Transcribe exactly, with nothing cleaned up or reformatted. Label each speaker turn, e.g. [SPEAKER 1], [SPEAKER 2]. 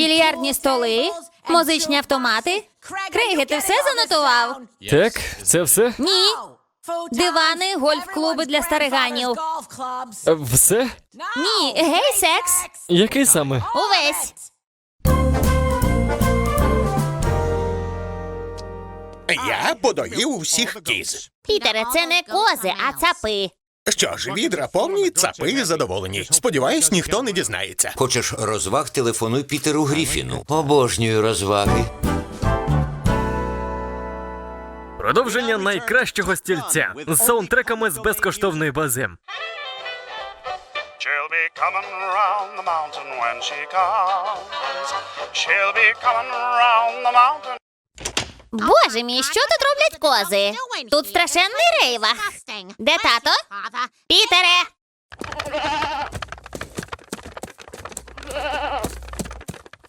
[SPEAKER 1] Більярдні столи, музичні автомати. Крейге, ти все занотував?
[SPEAKER 2] Так, це все?
[SPEAKER 1] Ні. Дивани, гольф-клуби для стариганів.
[SPEAKER 2] Е, Все?
[SPEAKER 1] Ні, гей, секс.
[SPEAKER 2] Який саме?
[SPEAKER 1] Увесь.
[SPEAKER 3] Я подоїв усіх кіз.
[SPEAKER 1] Пітере, це не кози, а цапи.
[SPEAKER 3] Що ж, відра повні, цапи задоволені. Сподіваюсь, ніхто не дізнається.
[SPEAKER 4] Хочеш розваг, телефонуй Пітеру Гріфіну. Обожнюю розваги.
[SPEAKER 2] Продовження найкращого стільця з саундтреками з безкоштовної бази.
[SPEAKER 5] She'll be coming round the mountain when she comes. She'll be coming round the mountain.
[SPEAKER 1] Боже мій, що тут роблять кози? Тут страшенний рейвах. Де тато? Пітере!